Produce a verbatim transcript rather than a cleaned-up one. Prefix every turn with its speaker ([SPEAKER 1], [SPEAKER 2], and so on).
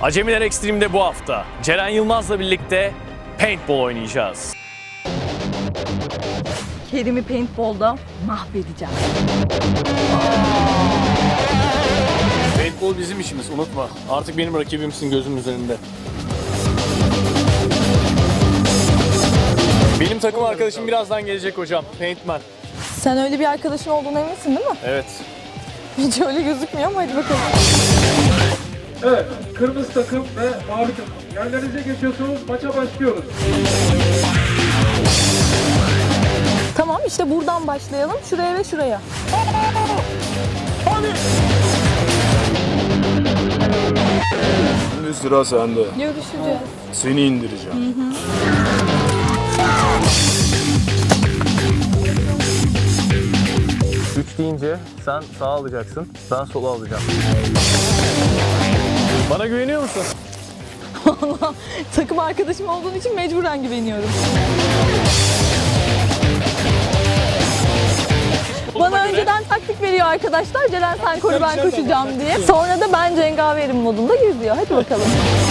[SPEAKER 1] Acemiler Extreme'de bu hafta Ceren Yılmaz'la birlikte paintball oynayacağız.
[SPEAKER 2] Kerim'i paintball'da mahvedeceğim.
[SPEAKER 1] Paintball bizim işimiz, unutma. Artık benim rakibimsin gözümün üzerinde. Benim takım arkadaşım birazdan gelecek hocam. Paintman.
[SPEAKER 2] Sen öyle bir arkadaşın olduğuna eminsin değil mi?
[SPEAKER 1] Evet.
[SPEAKER 2] Hiç öyle gözükmüyor ama hadi bakalım.
[SPEAKER 3] Evet, kırmızı takım ve mavi takım. Yerlerinize geçiyorsunuz, maça başlıyoruz.
[SPEAKER 2] Tamam işte buradan başlayalım. Şuraya ve şuraya.
[SPEAKER 1] Hadi.
[SPEAKER 4] Şimdi sıra sende.
[SPEAKER 2] Görüşeceğiz.
[SPEAKER 4] Seni indireceğim.
[SPEAKER 1] Üç deyince sen sağa alacaksın, ben sola alacağım. Bana güveniyor musun?
[SPEAKER 2] Vallahi takım arkadaşım olduğun için mecburen güveniyorum. Bana önceden taktik veriyor arkadaşlar. Ceren sen koru ben koşacağım diye. Sonra da ben cengaverim modunda geziyor. Hadi bakalım.